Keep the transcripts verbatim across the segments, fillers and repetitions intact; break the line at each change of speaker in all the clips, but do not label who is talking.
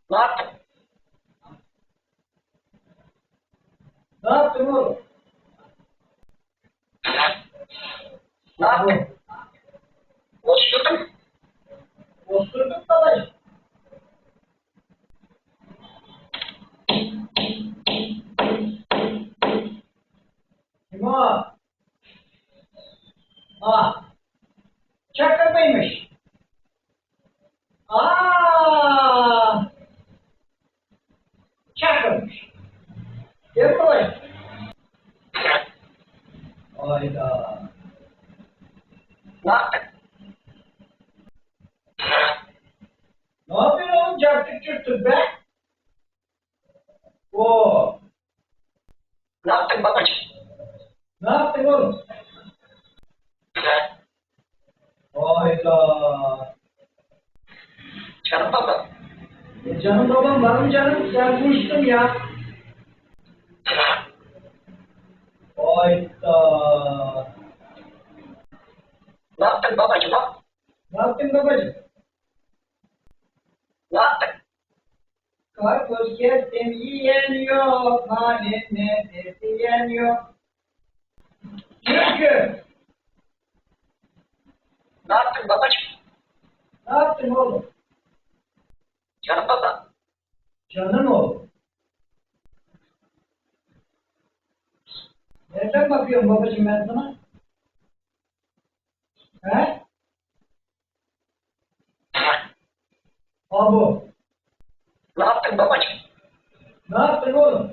Ne yaptın?
Ne yaptın oğlum?
Ne yaptın? Osurdun.
Osurduk babacığım. Kim o? Ah. Çakır mıymış? Aa. Çakırmış. Gel buraya. Hayda.
Ne yaptın?
Ne yapıyorsun oğlum? Çarptık çırptık be. Oo.
Ne yaptın babacığım?
Ne yaptın oğlum? Hayda.
Canım baba.
E canım babam var mı canım? Sen konuştun ya. Hayda.
Ne yaptın babacığım? Ha?
Ne yaptın babacığım?
Ne yaptın?
Karpuz kestim yiyen yok. Halim nedir diyen yok. Çünkü.
Ne yaptın babacığım?
Ne yaptın oğlum?
Canım baba.
Canım oğlum. Nereden bakıyorum babacığım ben sana? He? Abu.
Ne yaptın babacığım?
Ne yaptın oğlum?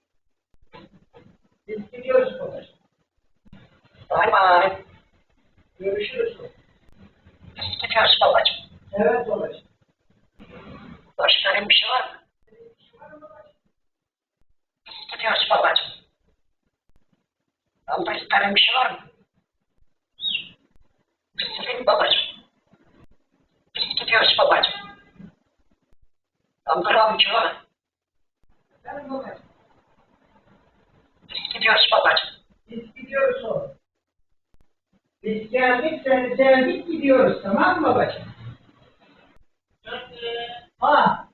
Biz gidiyoruz babacığım.
Bay bay.
Görüşürüz.
Gidiyoruz babacığım.
Evet babacığım.
Başka bir şey var mı? Gidiyoruz babacığım. Abla isterim bir şey var mı? Sizin babacığım. Gidiyoruz babacığım. Abla amca var mı?
Efendim babacığım.
Gidiyoruz babacığım.
Biz gidiyoruz oğlum. Biz geldik seni sevdik gidiyoruz tamam mı babacığım? Ha.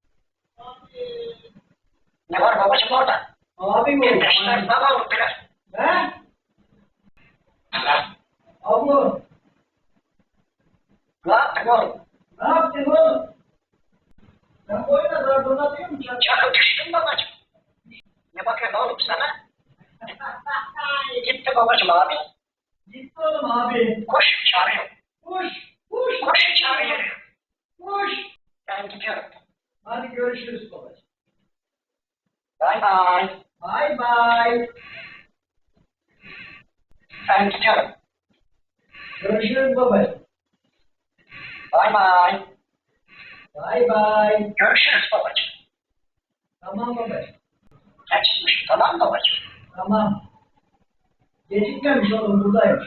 Ne var babacığım orada?
Abim
Bir
oğlum.
beşler baba olur biraz.
He? Abla.
Ne yaptın oğlum?
Ne yaptın oğlum? Sen boyuna zarfını atıyor musun?
Canım düştün babacığım. Ne bakıyorsun oğlum sana? Gitti babacığım abi.
Gitti oğlum abi.
Koş çağırıyor.
Koş. Koş.
Koş çağırıyor.
Koş.
Ben gidiyorum.
Hadi görüşürüz babacığım.
Bay bay.
Bay bay.
Ben gidiyorum.
Görüşürüz babacığım.
Bay bay.
Bay bay.
Görüşürüz babacığım.
Tamam babacığım.
Geçmiş tamam babacığım.
Tamam. Gecikmemiş oğlum buradaymış.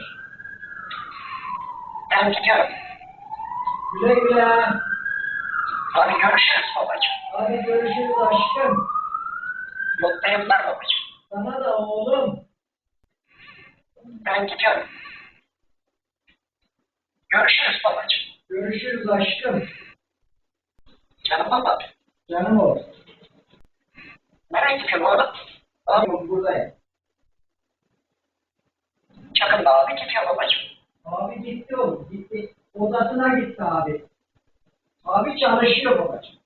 Ben gidiyorum.
Güle güle.
Hadi görüşürüz babacığım.
Hadi görüşürüz aşkım.
Mutlu yıllar babacığım.
Sana da oğlum.
Ben gidiyorum. Görüşürüz babacığım.
Görüşürüz aşkım.
Canım babam.
Canım oğlum.
Nereye gidiyorsun oğlum?
Tamam buradayım.
Çakın abi gidiyor babacığım.
Abi gitti oğlum. Gitti. Odasına gitti abi. Abi çalışıyor babacığım.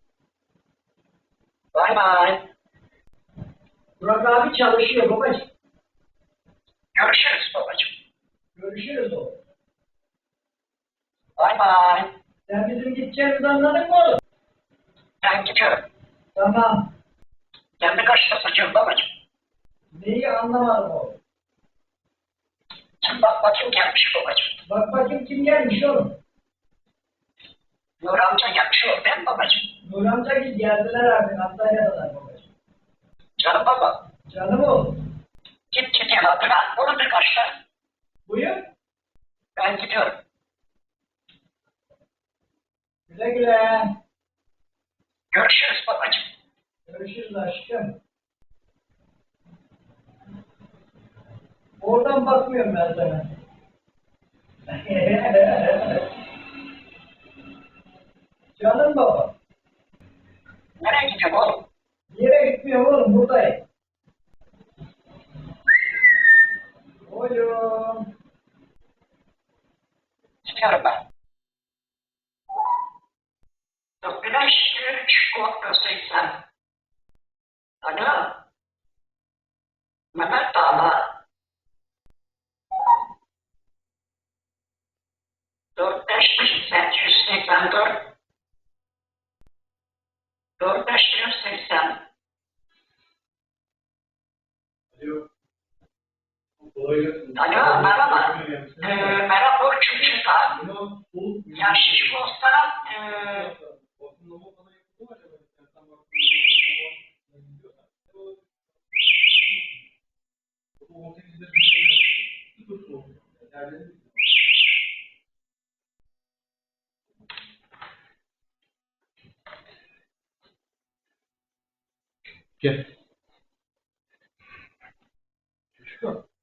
Bay bay.
Burak abi çalışıyor babacığım.
Görüşürüz babacığım.
Görüşürüz oğlum.
Bay bay.
Sen bizim gideceğimizi anladın mı oğlum?
Ben gidiyorum.
Tamam.
Kendi kaçta saçıyorum babacığım.
Neyi anlamadım oğlum.
Sen bak bakayım gelmiş babacığım.
Bak bakayım kim gelmiş oğlum.
Nur amca gelmiş o ben babacığım.
Nur amca gibi geldiler artık Antalya'dalar babacığım.
Canım baba.
Canım oğlum.
Git git yanına. Onu bir kaçta.
Buyur.
Ben gidiyorum.
Güle güle.
Görüşürüz babacığım.
Görüşürüz aşkım. Oradan bakmıyorum ben sana. Canım baba.
Nereye gidiyorsun oğlum?
Bir yere gitmiyorum oğlum, buradayım. Oğlum.
Çıkıyorum ben. dört bin beş yüz nokta seksen. Alo. Mehmet Dağlar. dört beş yüz seksen dört. dört beş yüz seksen.
Alo. Kolay gelsin.
Alo, merhaba. Ee, merhaba Burcu Çıkar.
Tamam, soğuk.
Ya şiş olsa ee,
Vakumlama falan yapıldı mı acaba? Yani tam vakumlama falan gidiyorlar. O on sekizde bir sıfır soğuk. Yerleri Gel. Çocuk